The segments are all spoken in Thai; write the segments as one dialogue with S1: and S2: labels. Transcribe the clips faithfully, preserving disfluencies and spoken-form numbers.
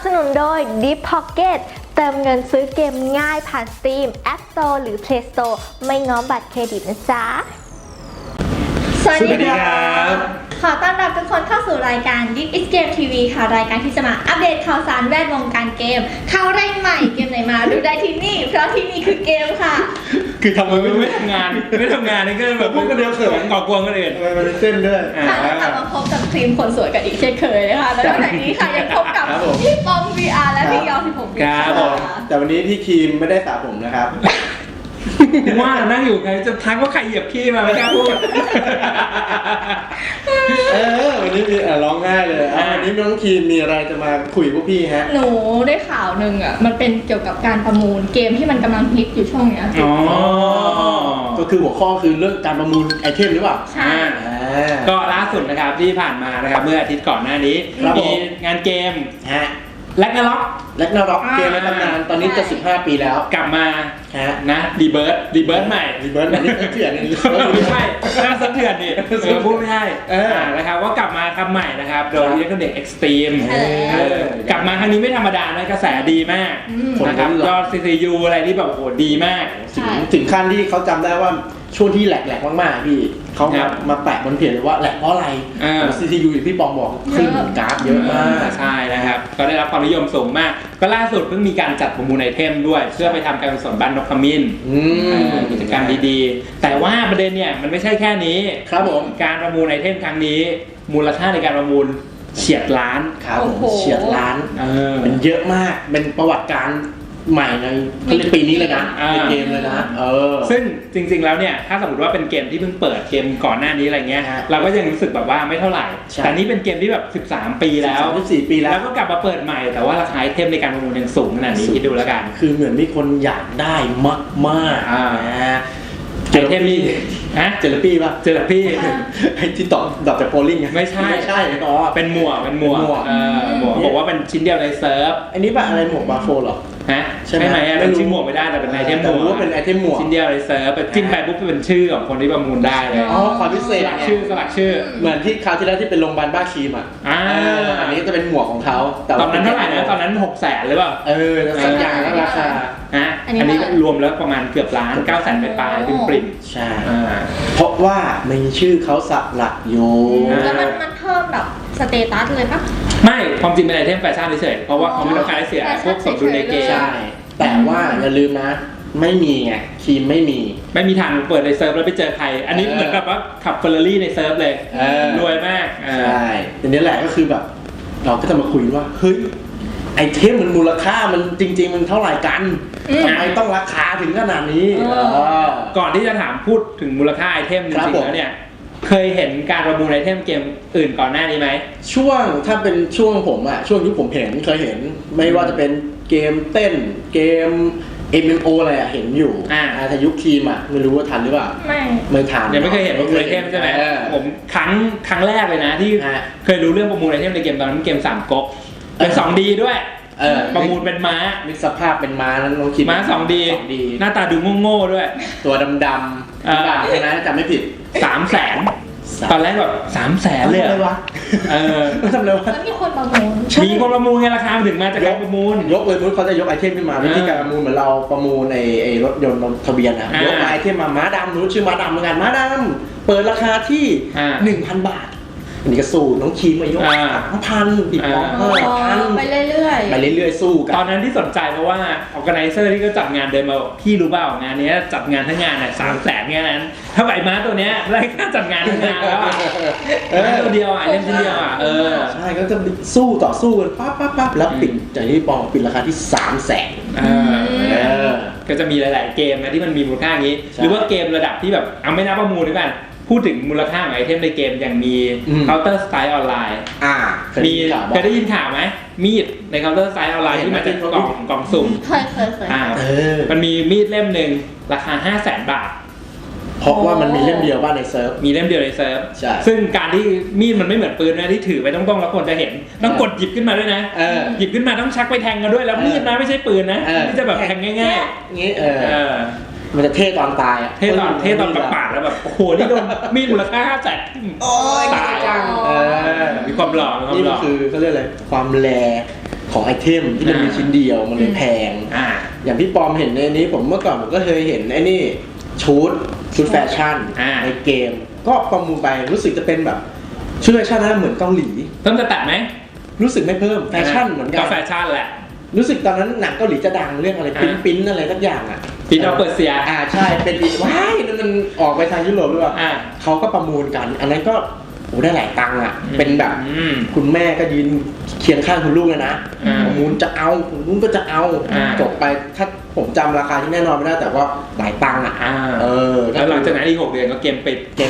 S1: สนุนโดย Deep Pocket เติมเงินซื้อเกมง่ายผ่าน Steam App Store หรือ Play Store ไม่ง้อบัตรเครดิตนะจ๊ะสวัสดีครับขอต้อนรับทุกคนเข้าสู่รายการ This is Game ที วี ค่ะรายการที่จะมาอัปเดตข่าวสารแวดวงการเกมข่าวแรงใหม่เกมไหนมาดูได้ที่นี่เพราะที่นี่คือเกมค่ะ
S2: คือทำไมไม่ทำงานไม่ทำงานนี่ก็แบบ
S3: พูดกันเดียวเขิน
S2: ก่อกวนกันเอง
S3: ทำไมมันเต้นด้วย
S1: ค่ะแล้วกลับมาพบกับครีมคนสวยกันอีกเช่นเคยนะคะแล้วนอกจากนี้ค่ะยังพบกับพี่ปอม วี อาร์ และพี่ยอสิบหก
S2: ครับผม
S3: แต่วันนี้พี่ครีมไม่ได้สระผมนะครับ
S2: ว่านั่งอยู่ไงจะทักว่าใครเหยียบขี้มาไม่กล้าพูด
S3: เออวันนี้มีร้องง่ายเลยวันนี้น้องครีมมีอะไรจะมาคุยพวกพี่ฮะ
S1: หนูได้ข่าวหนึ่งอ่ะมันเป็นเกี่ยวกับการประมูลเกมที่มันกำลังฮิตอยู่ช่วงนี้
S2: อ๋อ
S3: ก็คือหัวข้อคือเรื่องการประมูลไอเทมหรือเปล่า
S1: ใช่
S2: ก็ล่าสุดนะครับที่ผ่านมานะครับเมื่ออาทิตย์ก่อนหน้านี้มีงานเกม
S3: ฮะ
S2: แล็กนาล็อก
S3: แล็กนาล็อกเกมในตำนานตอนนี้จะสิบห้าปีแล้ว
S2: กลับมานะรีเบิร์ดรีเบิร์ดใหม่
S3: รีเบิร์ดอันนี้เถื่อนนี่
S2: ไม่ใช่น่าสะเทือนดิพูดไม่ใช่นะครับว่ากลับมาทำใหม่นะครับโดยอิเล็กทรอนิกส์เอ็กซ์ตรีมกลับมาครั้งนี้ไม่ธรรมดานะกระแสดีมากนะครับยอด ซี ซี ยู อะไรที่แบบโหดีมาก
S3: ถึงขั้นที่เขาจำได้ว่าช่วงที่แหลกๆมากๆพี่เขามามาแปะบนเพจเลยว่าแหลกเพราะอะไร ซี ซี ยู อย่างที่ปองบอกขึ้นกราฟเยอะมาก
S2: ใช่นะครับก็ได้รับความนิยมสูงมากก็ล่าสุดเพิ่งมีการจัดประมูลไอเทมด้วยเพื่อไปทำการกุศลบ้านนกขมิ้นกิจกรรมดีๆแต่ว่าประเด็นเนี่ยมันไม่ใช่แค่นี้
S3: ครับผม
S2: การประมูลไอเทมครั้งนี้มูลค่าในการประมูลเฉียดล้าน
S3: ครับผมเฉียดล้านเป็นเยอะมากเป็นประวัติการใหม่ในปีนี้เลยนะในเกมเลยนะเออ
S2: ซึ่งจริงๆแล้วเนี่ยถ้าสมมติว่าเป็นเกมที่เพิ่งเปิดเกมก่อนหน้านี้อะไรเงี้ยเราก็ยังรู้สึกแบบว่าไม่เท่าไหร่แต่นี้เป็นเกมที่แบบสิบสามปีแล้ว
S3: สิบสี่ปีแล้ว
S2: แล้วก็กลับมาเปิดใหม่แต่ว่าราคาไอเทมในการประมูลยังสูงขนาดนี้คิดดูแล้วกัน
S3: คือเหมือนมีคนอยากได้มากมากนะ
S2: ไอเทมนี่ฮะ
S3: เจลปี้ป่ะ
S2: เจลปี้
S3: ไอที่ต่อดอกจากโพลิ่ง
S2: ไม่ใช่
S3: ไม่ใช่อ๋อ
S2: เป็นหมวกเป็นหมวกหมวกบอกว่าเป็นชิ้นเดียวในเซิร์ฟ
S3: อันนี้ป่ะอะไรหมวกบาโฟหรอ
S2: ฮะใช่ไหมเป็นชิ้นหมวกไม่ได้แต่เป็นไอเทมหมวก
S3: ว่าเป็นไอเทมหมวก
S2: ชิ้นเดียวในเซิร์ฟเป็นจิ้มไปปุ๊บเป็นชื่อของคนที่ประมูลได้เลย
S3: อ๋อความพิเศษ
S2: ชื่อสลักชื่อ
S3: เหมือนที่คราวที่แล้วที่เป็นโรงพยาบาลบ้าครีมอ่ะอันนี้จะเป็นหมวกของเขา
S2: ตอนนั้นเท่าไหร่นะตอนนั้นหกแสนหรือเปล่า
S3: เออสัญญาแล้วราคา
S2: ฮะอันนี้รวมแล้วประมาณเกือบล้านเก้าแสนไปปลายเป็นปริ้น
S3: ใช่เพราะว่ามีชื่อเขาสลักอยู่
S1: แล้วมันมันเพิ่มแบบสเตตัสเลยปะ
S2: ไม่ความจริงเป็นไอเทมแฟชั่นเฉยเพราะว่าเขาไม่ต้องการให้เสียพวกสมดุลในเกม
S3: ใช่แต่ว่าอย่าลืมนะไม่มีไงครีมไม่มี
S2: ไม่มีทางเปิดในเซิร์ฟแล้วไปเจอใครอันนี้เหมือนแบบว่าขับเฟอร์รารี่ในเซิร์ฟเลยรวยมาก
S3: ใช่ทีนี้แหละก็คือแบบเราก็จะมาคุยว่าเฮ้ยไอเทมมันมูลค่ามันจริงๆมันเท่าไหร่กันทำไมต้องราคาถึงขนาดนี้
S2: ก่อนที่จะถามพูดถึงมูลค่าไอเทมจริงๆแล้วเนี่ยเคยเห็นการประมูลไอเทมเกมอื่นก่อนหน้านี้ไหม
S3: ช่วงถ้าเป็นช่วงผมอะช่วงที่ผมเห็นเคยเห็นไม่ว่าจะเป็นเกมเต้นเกม เอ็ม เอ็ม โอ อะไรอะเห็นอยู่อ่าแต่ยุคครีมอะไม่รู้ว่าทันหรือเปล่า
S1: ไม่
S3: ไม่ทัน
S2: ยังไม่เคยเห็นประมูลไอเทมใช่ไหมผมครั้งครั้งแรกเลยนะที่เคยรู้เรื่องประมูลไอเทมในเกมตอนนั้นเกมสามก๊กเป็น สองดี ด้วยประมูลเป็นม้า
S3: มีสภาพเป็นม้านั้นลองคิด
S2: ม้า สองดี หน้าตาดูโง่ๆด้วย
S3: ตัวดำๆอ่าใช่ไหมจำไม่ผิด
S2: สามแสนตอนแรกแบบสามแสนเลย
S3: เหรอวะ
S2: เออ
S3: ทำเลยวะ
S1: มีคนประมูล
S2: มีคนประมูลไงราคาถึงมาจากการประมูล
S3: ยกเลยมุ้เขาจะยกไอเทมขึ้นมาวิธีการประมูลเหมือนเราประมูลในไอรถยนต์ทะเบียนนะยกไอเทมมาม้าดำนู้นชื่อม้าดำเหมือนกันม้าดำเปิดราคาที่หนึ่งพันบาทอันนี้ก็สู้น้องครีมมายกสามพันติดล้อห้าพัน
S1: ไปเรื่อย
S3: ๆไปเรื่อยๆสู้กัน
S2: ตอนนั้นที่สนใจเพราะว่าออร์แกไนเซอร์ที่เขาจัดงานเดินมาพี่รู้เปล่างานนี้จัดงานทั้งงานเนี่ยสามแสนแค่นั้นถ้าใบม้าตัวเนี้ยได้ค่าจัดงานทั้งงานแล้วอ่ะตัวเดียวอ่ะเล่มชิ้นเดียวอ่ะเออ
S3: ใช่ก็จะสู้ต่อสู้กันปั๊บปั๊บปั๊บแล้วปิดจากที่ปองปิดราคาที่สามแสน
S2: ก็จะมีหลายๆเกมนะที่มันมีมูลค่าอย่างนี้หรือว่าเกมระดับที่แบบเอาไม่นับประมูลด้วยกันพูดถึงมูลค่าของไอเทมในเกมอย่างมี Counter Strike Online
S3: อ่า
S2: มีเคยได้ยินข่าวไหมมีดใน Counter Strike Online ที่มาจากกล่องกล่องสุ่ม
S1: เคยเคยเคย
S2: อ่ามันมีมีดเล่มหนึ่งราคา ห้าแสน บาท
S3: เพราะว่ามันมีเล่มเดียวบ้านในเซิร์ฟ
S2: มีเล่มเดียวในเซิร์ฟซึ่งการที่มีดมันไม่เหมือนปืนนะที่ถือไปต้องต้องแล้วคนจะเห็นต้องกดหยิบขึ้นมาด้วยนะหยิบขึ้นมาต้องชักไปแทงกันด้วยแล้วมีดนะไม่ใช่ปืนนะที่จะแบบแทงง่าย
S3: ๆงี้เออมันจะเท่ตอนตายอ่ะ
S2: เท่ตอนเท่ตอนประปาดแล้วแบบโอ้โหนี่โดนมีดมูลค่าห้าแสนตายจังมีความหล่อมีความหล่อ
S3: นี่คือเขาเรียกอะไรความแลของไอเทมที่มันมีชิ้นเดียวมันเลยแพง
S2: อ่า
S3: อย่างพี่ปอมเห็นในนี้ผมเมื่อก่อนผมก็เคยเห็นไอ้นี่ชุดชุดแฟชั่น
S2: อ่า
S3: ในเกมก็ประมูลไปรู้สึกจะเป็นแบบชุดแฟชั่นนะเหมือนเกาหลี
S2: เพิ่มจะตัดไหม
S3: รู้สึกไม่เพิ่มแฟชั่นเหมือนกั
S2: ก็
S3: น
S2: แฟชั่นแหละ
S3: รู้สึกตอนนั้นหนังเกาหลีจะดังเรื่องอะไร
S2: อ่า
S3: ปิ้นปิ้นอะไรสักอย่างอ่ะ
S2: ปีนอเปอร์เซีย
S3: อ่าใช่เป็นปีว้ายนั่นมันออกไปทางยุโรปหรือเปล่า
S2: อ่า
S3: เขาก็ประมูลกัน อันนั้นก็โอ้ได้หลายตังค์อ่ะเป็นแบบ
S2: อืม
S3: คุณแม่ก็ยืนเคียงข้างคุณลูกเลยนะ
S2: อ่า
S3: ประมูลจะเอาคุณลูกก็จะเอา
S2: อ่า
S3: จบไปถ้าผมจำราคาที่แน่นอนไม่ได้แต่ว่าหลายตังค์อ่ะ
S2: อ่า
S3: เออ
S2: แล้วหลังจากนั้นอีกหกเดือนก็เกมปิด
S3: เกม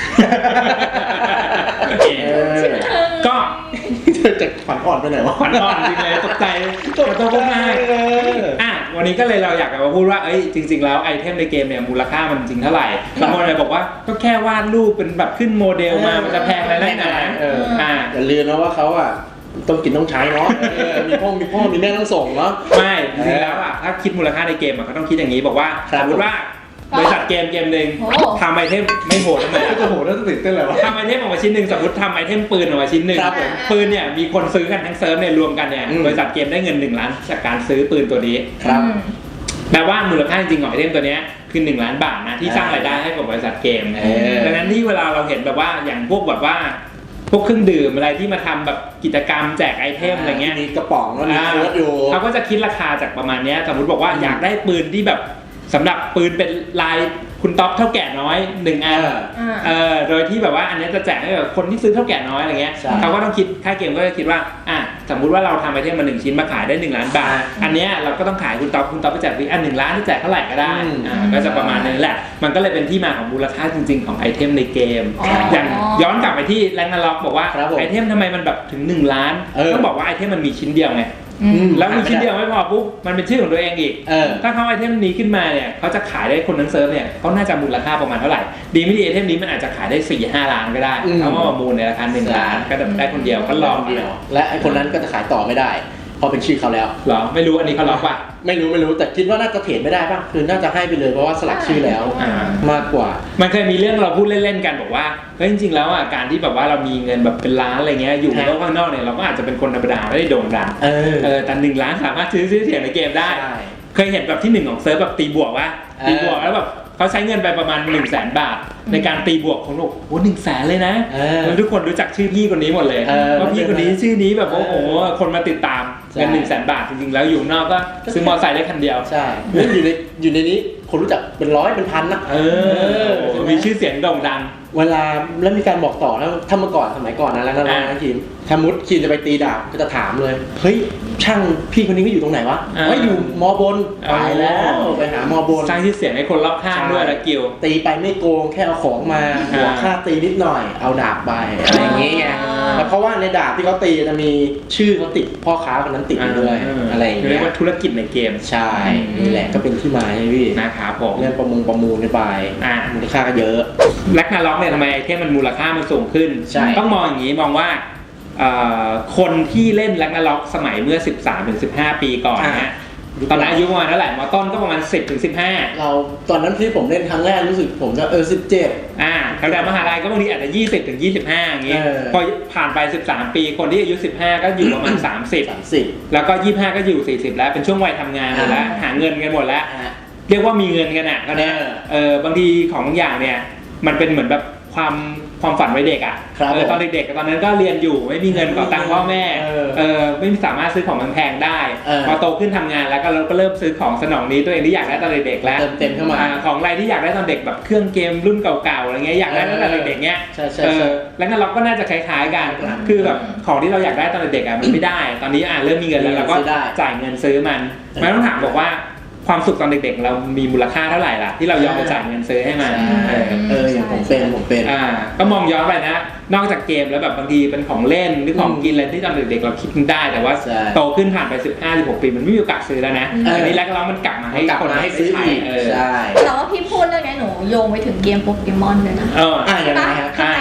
S2: โอเค
S3: เออ
S2: ก็
S3: เธอจะขวัญอ่อนไปไหนวะ
S2: ขวัญอ่อนจริงเลยตกใจตกใจพูดมาก
S3: เออ
S2: อ่ะวันนี้ก็เลยเราอยากจะมาพูดว่าเอ้ยจริง ๆ แล้วไอเทมในเกมเนี่ยมูลค่ามันจริงเท่าไหร่บางคนเลยบอกว่าก็แค่วาดรูปเป็นแบบขึ้นโมเดลมามันจะแพงอะไรนักหนา
S3: เออ
S2: อ่า
S3: อย่าลืมนะว่าเขาอ่ะต้องกินต้องใช้เนาะเออมีพ่อมีพ่อมีแม่ต้องส่งเนาะ
S2: ไม่จริงๆแล้วอ่ะถ้าคิดมูลค่าในเกมอ่ะเขาต้องคิดอย่างนี้บอกว่า
S3: ครั
S2: ส
S3: บ
S2: มมติว่าบริษัทเกมเกมหนึ่ง
S1: โอ้
S2: ทำไอเทมไม่โหดทำไม
S3: ก็จะโหน่าตื่นเต้นเลยวะ
S2: ทำไอเทมออกมาชิ้นหนึ่งสมมติทำไอเทมปืนออกมาชิ้นหนึ่ง
S3: ครับผม
S2: ปืนเนี่ยมีคนซื้อกันทั้งเซิร์ฟเนี่ยรวมกันเนี่ย
S3: อืม
S2: บริษัทเกมได้เงินหนึ่งล้านจากการซื้อปืนตัวนี้
S3: ครับ
S2: แปลว่ามูลค่าจริงของไอเทมตัวเนี้ยคือหนึ่งล้านบาทนะที่สร้างรายได้ให้กับบริษัทเกม
S3: เออ
S2: ดังนั้นที่เวลาเราเห็นแบบว่าอย่างพวกแบบว่าพวกเครื่องดื่มอะไรที่มาทำแบบกิจกรรมแจกไอเทมอะไรเงี้ย
S3: มีกระป๋องแล้วมีโค้ดอยู่
S2: เขาก็จะคิดราคาจากประมาณเนี้ยสมมติบอกว่าอยากได้ปืนที่แบบสำหรับปืนเป็นลายคุณต๊อปเท่าแก่น้อยหนึ่งอัน
S3: เออ
S2: เออโดยที่แบบว่าอันเนี้ยจะแจกให้กับคนที่ซื้อเท่าแก่น้อยอะไรเงี้ย
S3: ใช่
S2: เขาก็ต้องคิดค่าเกมก็จะคิดว่าอ่ะสมมุติว่าเราทำไอเทมมาหนึ่งชิ้นมาขายได้หนึ่งล้านบาท อันเนี้ยเราก็ต้องขายคุณต๊อปคุณต๊อปไปแจกฟรีอันหนึ่งล้านที่แจกเท่าไหร่ก็ได้
S3: อืม
S2: อ่าก็จะประมาณนั้นแหละมันก็เลยเป็นที่มาของมูลค่าจริง ๆ ของไอเทมในเกม
S1: อ๋ออ
S2: อย่างย้อนกลับไปที่แรงนาล็อกบอกว่า
S3: ครับผม
S2: ไอเทมทำไมมันแบบถึงหนึ่งล้าน
S3: เออ
S2: ต้องบอกว่าไอเทมมันมีชิ้นเดียวไง
S1: อืม
S2: แล้วมีชิ้นเดียวไม่พอปุ๊บมันเป็นชื่อของตัวเองอีก
S3: เออ
S2: ถ้าเขาไอเทมนี้ขึ้นมาเนี่ยเขาจะขายได้คนทั้งเซิร์ฟเนี่ยเขาน่าจะมูลค่าประมาณเท่าไหร่ดีไม่ดีไอเทมนี้มันอาจจะขายได้สี่ห้าล้านก็ได้
S3: อืม
S2: เขามาประมูลในราคาหนึ่งล้านก็ได้คนเดียวก็ลอง
S3: เดียว และไอคนนั้นก็จะขายต่อไม่ได้เพราะเป็นชื่อเขาแล้ว
S2: เหรอไม่รู้อันนี้เขาล็อกป่ะ
S3: ไม่รู้ไม่รู้แต่คิดว่าน่าจะเทรดไม่ได้ป่ะคือน่าจะให้ไปเลยเพราะว่าสลักชื่อแล้ว
S2: อ่า
S3: มากกว่า
S2: มันเคยมีเรื่องเราพูดเล่นๆกันบอกว่าเฮ้ยจริงๆแล้วอ่ะการที่แบบว่าเรามีเงินแบบเป็นล้านอะไรเงี้ยอยู่ในโลกข้างนอกเนี่ยเราก็อาจจะเป็นคนธรรมดาไม่ได้โด่งดัง
S3: เออ
S2: เออแต่หนึ่งล้านสามารถซื้อซื้อเสียงในเกมได้
S3: ใช่
S2: เคยเห็นแบบที่หนึ่งของเซิร์ฟแบบตีบวกว่า
S3: เออ
S2: ตีบวกแล้วแบบเขาใช้เงินไปประมาณหนึ่งแสนบาท ในการตีบวกของโลกโอ้หนึ่งแสนเลยนะ
S3: เออ
S2: แล้วทุกคนรู้จักชื่อพี่คนนี้หมดเลย
S3: เออ
S2: ว่าพี่คนนี้ชื่อนี้แบบโอ้โหคนมาติดตาม
S3: ใช่
S2: เงินหนึ่งแสนบาทจริงๆแล้วอยู่นอกก็ซื้อมอเตอร์ไซค์ได้คันเดียว
S3: ใช่แล้วอยู่ในอยู่ในนี้คนรู้จักเป็นร้อยเป็นพันนะ
S2: เออมีชื่อเสียงโด่งดัง
S3: เวลาแล้วมีการบอกต่อนะถ้าเมื่อก่อนสมัยก่อนนะแล้วนะ
S2: อ่า
S3: นะทีมถ้ามุดคีมจะไปตีดาบก็จะถามเลยเฮ้ยช่างพี่คนนี้ก็อยู่ตรงไหนวะ
S2: อ่า
S3: ว่าอยู่มอบน
S2: อ๋อ
S3: ไปแล้วไปหามอบน
S2: สร้างชื่อเสียงให้คนรอบข้างด้วยละกิว
S3: ตีไปไม่โกงแค่เอาของมาหัว
S2: อ่า
S3: ค่าตีนิดหน่อยเอาดาบไปอะไรอย่างเงี้ย
S1: อ่า
S3: แล้วเพราะว่าในดาบที่เขาตีจะมีชื่อเขาติดพ่อค้าคนนั้นติดอยู่ด้วยอะไรอย่าง
S2: เรี
S3: เงี้
S2: ย
S3: ย
S2: กว่าธุรกิจในเกม
S3: ใช่นี่แหละก็เป็นที่มาให้พี่
S2: นะครับผม
S3: เรื่องประมงประมูลกันไป
S2: อ่า
S3: มูลค่าก็เยอะ
S2: แล็กนาล็อกเนี่ยทำไมไอเทมมันมูลค่ามันสูงขึ้น
S3: ใช่
S2: ต้องมองอย่างนี้มองว่าเอ่อคนที่เล่นแล็กนาล็อกสมัยเมื่อ สิบสามถึงสิบห้า ปีก่อนเนี่ยตอนนั้นอายุประมาณเท่าไหร่มอต้นก็ประมาณ สิบถึงสิบห้า
S3: เราตอนนั้นที่ผมเล่นครั้งแรกรู้สึกผมจะเออสิบเจ็ด
S2: อ่าแถวๆมหาลัยก็บางทีอาจจะ ยี่สิบถึงยี่สิบห้า อย่างงี้
S3: เออ
S2: พอผ่านไป สิบสาม ปีคนที่อายุ สิบห้า ก็อยู่ประมาณ สามสิบ
S3: สามสิบ
S2: แล้วก็ ยี่สิบห้า ก็อยู่ สี่สิบ แล้วเป็นช่วงวัยทำงานหมดแล้ว
S3: อ่า
S2: หาเงินกันหมดแล้ว
S3: อ่ะ
S2: เรียกว่ามีเงินกันอ่ะก็เนี่ย
S3: เออ
S2: เออบางทีของบางอย่างเนี่ยมันเป็นเหมือนแบบความความฝันวัยเด็กอ่ะ
S3: ครับ
S2: เออตอนเด็กๆตอนนั้นก็เรียนอยู่ไม่มีเงินขอตังค์พ่อแม่
S3: เออ
S2: เออไม่สามารถซื้อของแพงๆได้
S3: เออ
S2: พอโตขึ้นทำงานแล้วก็เราก็เริ่มซื้อของสนองนี้ตัวเองที่อยากได้ตอนเด็กๆแล้ว
S3: เติมเต็มเข้ามา
S2: อ่ของอะไรที่อยากได้ตอนเด็กแบบเครื่องเกมรุ่นเก่าๆอะไรเงี้ยอยากได้ตั้งแต่เด็กๆเนี้ย
S3: ใช่ใช่
S2: เอ
S3: ใช่
S2: อแล้วงั้นเราก็น่าจะคล้ายๆกัน
S3: ครับ
S2: คือแบบของที่เราอยากได้ตอนเด็กๆอ่ะมันไม่ได้ ตอนนี้อ่ะเริ่มมีเงินแล้วเราก็
S3: ซื้อได้
S2: จ่ายเงินซื้อมันไม่ต้องถามบอกว่าความสุขตอนเด็กๆ เรามีมูลค่าเท่าไหร่ล่ะที่เรายอมไปจ่ายเงินซื้อให้มัน
S3: ใช่
S2: เออ
S3: เอออย่างผมเป็นผมเป็น
S2: อ่าก็มองย้อนไปนะ นอกจากเกมแล้วแบบบางทีเป็นของเล่นหรือของกินอะไรที่ตอนเด็กๆเราคิดได้ แต่ว่า
S3: ใช่
S2: โตขึ้นผ่านไป สิบห้า สิบหก ปีมันไม่มีโอกาสซื้อแล้วนะ
S3: เอออั
S2: อันนี้แล้วก็เรามันกลับมาให้
S3: กลับ
S2: คน
S3: มาให้ซื้ออีก
S2: เออ
S3: ใช่
S1: แต่ว่าพี่พูดเรื่องนี้หนูโยงไปถึงเกมโปเกมอนเลยนะ
S2: เออ
S3: อ่ะยังไง
S1: ปะ
S3: ฮะ
S1: ทำไมถึงดัง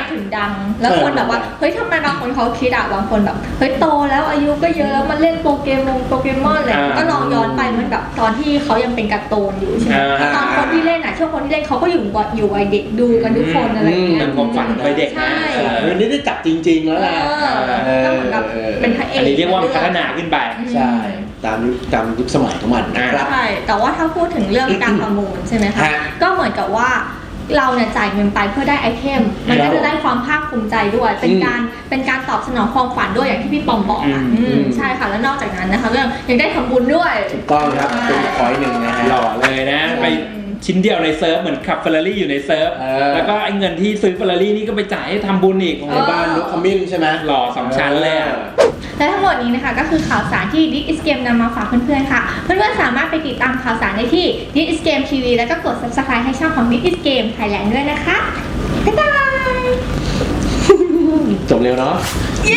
S1: งแล้วคนแบบว่าเฮ้ยทำไมบางคนเขาคิดอะบางคนแบบเฮ้ยโตแล้วอายุก็เยอะแล้วมันเล่นโปเกมอนโปเกมอนอะไรก็ลองย้อนไปเหมือนแบบตอนที่เขายังเป็นการ์ตูนอยู่ใช่ไหมตอนคนที่เล่นอะช่วงคนที่เล่นเขาก็อยู่อยู่วัยเด็กดูกันทุกคนอะไรอย่างเงี้ย
S2: เป็นความฝันวัยเด็กนะ
S1: ใช่
S3: วันนี้ได้จับจริงๆแล้วแหละ
S1: ก็เหมือนกับเป็นพระเอก
S2: อันนี้เรียกว่าพัฒนาขึ้นไป
S3: ใช่ตามยุคตามยุคสมัยของมันนะครับ
S1: ใช่แต่ว่าถ้าพูดถึงเรื่องการประมูลใช่ไหมคะ
S3: ฮะ
S1: ก็เหมือนกับว่าเราเนี่ยจ่ายเงินไปเพื่อได้ไอเทมมันก็จะได้ความภาคภูมิใจด้วยเป็นการเป็นการตอบสนองความฝันด้วยอย่างที่พี่ปอมบอกอ่ะ
S2: อืม
S1: อืมใช่ค่ะแล้วนอกจากนั้นนะคะก็ยังได้ทำบุญด้วย
S3: ถูกต้องครับเป็นพอยต์หนึ่งนะฮะ
S2: หล่อเลยนะไปชิ้นเดียวในเซิร์ฟเหมือนขับเฟอร์รารี่อยู่ในเซิร์ฟ
S3: เออ
S2: แล้วก็ไอ้เงินที่ซื้อเฟอร์รารี่นี่ก็ไปจ่ายให้ทำบุญอีก
S1: เอ
S3: ใน
S1: อ
S3: บ้านนกขมิ้นใช่ไหม
S2: หล่อสองชั้นเลยอะ
S1: และทั้งหมดนี้นะคะก็คือข่าวสารที่ This is Game นำมาฝากเพื่อนๆค่ะเพื่อนๆสามารถไปติดตามข่าวสารได้ที่ This is Game ที วี แล้วก็กด Subscribe ให้ช่องของ This is Game Thailand ด้วยนะคะบ๊ายบาย
S3: จบเร็วเนาะ
S1: เย้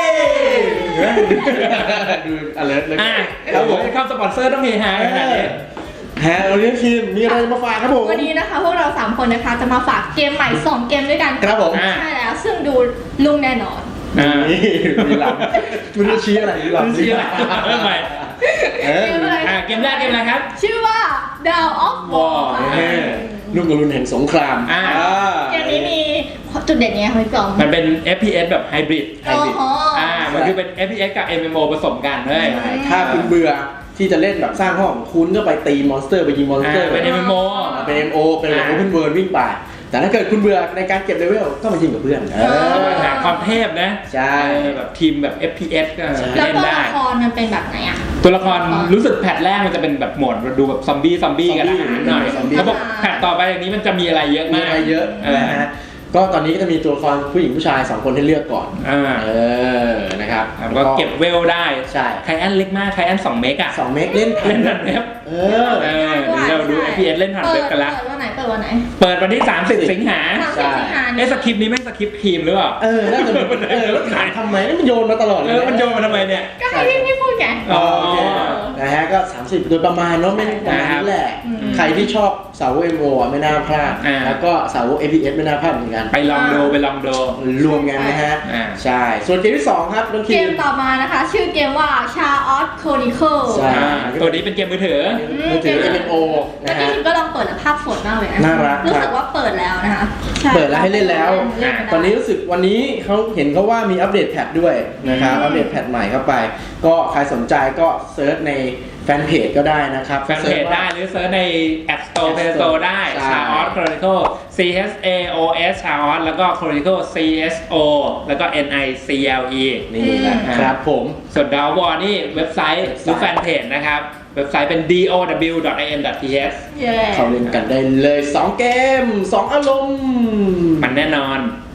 S3: ดูอะไรเลย
S2: อ่ะ
S3: ค
S2: ค
S3: รั
S2: รั
S3: บบ ผ
S2: ผม มเข้าสปอนเซอร์ต้องเฮฮาขนาดนี้
S3: แฮร์เราเรียกทีมมีอะไรมาฝากครับผม
S1: วันนี้นะคะพวกเราสามคนนะคะจะมาฝากเกมใหม่สองเกมด้วยกัน
S3: ครับผม
S2: อ่ะ
S1: ใช่แล้วซึ่งดูลุ่งแน่นอน
S2: อ่า
S3: นี่มีหลังไม่รู้ชี้อะไรมีหลัง
S2: ไม่รู้ชี้อะไรเริ่มใหม่
S3: เออ
S1: เกมอะไร
S2: อ่ะเกมแรกเกมอะไรครับ
S1: ชื่อว่า Dawn of War
S3: เออลูกกระลุนแห่งสงคราม
S2: อ่า
S1: เกมนี้มีจุดเด่นยังไงคะพี่กอม
S2: มันเป็น เอฟ พี เอส แบบไฮบริด
S1: โอ้โห
S2: อ่า มันคือเป็น เอฟ พี เอส กับ เอ็ม เอ็ม โอ ผสมกันเฮ้ย
S3: ใช่ถ้าคุณเบื่อที่จะเล่นแบบสร้างห้องคุณก็ไปตีมอนสเตอร์ไปยิงมอนสเตอร์
S2: อ่าเป็น เอ็ม เอ็ม โอ
S3: เป็น เอ็ม โอ เป็นแบบ
S2: อ่า
S3: โอเพนเวิร์วิ่งไปแต่ถ้าเกิดคุณเบื่อในการเก็บเลเวลก็มายิงกับเพื่อนเออ
S2: หาความเทพนะ
S3: ใช่
S2: เออแบบทีมแบบ เอฟ พี เอส ก็
S3: ใช่
S1: แล้ว
S2: เล่น
S1: ตัว
S2: ได้
S1: ละครมันเป็นแบบไหนอ่ะ
S2: ตัวละครรู้สึกแพทแรกมันจะเป็นแบบโหมดดูแบบซอมบี้ซอมบี้กันนะนิดหน่อย
S3: ซอมบี้
S2: เขาบอกแพทต่อไปอย่างนี้มันจะมีอะไรเยอะ
S3: มี
S2: มาก
S3: อะไรเยอะ
S2: เออ
S3: นะฮะก็ตอนนี้ก็จะมีตัวละครผู้หญิงผู้ชายสองคนให้เลือกก่อน
S2: อ่า
S3: เออนะครับ
S2: แล้วก็เก็บเวลได้
S3: ใช่
S2: ไคแอนเล็กมากไคแอนสองเมกอะ
S3: สองเมกเล่น
S2: เล่นผ่านเว็บ
S3: เออ
S2: เออเดี๋ยวเราดู เอฟ พี เอส เล่นผ่านเว็บกันละ
S1: เปิดวันไหนเปิดวันไหน
S2: เปิดวันที่สามสิบสิงหา
S1: สามสิบสิงหา
S2: เอ๊ะสคริปต์นี้แม่งสคริปต์ครีมหรือเปล่า
S3: เออน่าจะเป็นเออแล้วถามทำไมนี่มันโยนมาตลอดเล
S2: เอย อมันโยนมาทำไมเนี่ย
S1: ก็ให้พี่พี่พูดไง
S2: อ๋อ
S3: โอเคนะฮะก็ สามสิบ โดยประมาณเนาะไม่ประมาณนี้แหละ
S1: อืม
S3: ใครที่ชอบสาวก เอ็ม โอ อ่ะไม่น่าพลาด
S2: อ่า
S3: แล้วก็สาวก เอฟ พี เอส ไม่น่าพลาดเหมือนกัน
S2: ไปลองดูไปลองดู
S3: รวมกันนะฮะ
S2: อ่า
S3: ใช่ ส่วนเกมที่สองครับน้อง
S1: เก
S3: คิ
S1: ม
S3: ม
S1: ต่อมานะคะ ชื่อเกมว่า Chaos Chronicle
S3: ใช่
S2: อ่าตัวนี้เป็นเกมมือถือ
S3: มือถือ เอ็ม โอ
S1: เมื่อ
S3: นะ
S1: กี้
S3: ฮะ
S1: คิมก็ลองเปิดแล้วภาพสดมากเลยนะ
S3: น่ารัก
S1: รู้
S3: ครั
S1: สึ
S3: บ
S1: กว่าเปิดแล้วนะคะใช่
S3: เปิดแล้วให้เล่นแล้ว
S1: เล่นไม่ได้
S3: ตอนนี้รู้สึกวันนี้เขาเห็นเขาว่ามีอัปเดตแพทด้วยนะครับ
S1: อืม
S3: อัปเดตแพทใหม่เข้าไป ก็ใครสนใจก็เซิร์ชในแฟนเพจก็ได้นะครับ
S2: แฟนเพจได้หรือเซิร์ชใน App Store Play Store ได้
S3: ใช่
S2: Chaos Chronicle C H A O S Chaos แล้วก็ Chronicle C H O แล้วก็ N I C L E
S3: นี่แหละครับผม
S2: ส่วนดาววอร์นี่เว็บไซต์หรือแฟนเพจนะครับ เว็บไซต์เป็น ดี โอ ดับเบิลยู ดอท ไอ เอ็น ดอท ที เอช
S1: เย้
S3: เขาเล่นกันได้เลย สอง เกม สอง อารมณ์
S2: มันแน่นอน
S3: ใ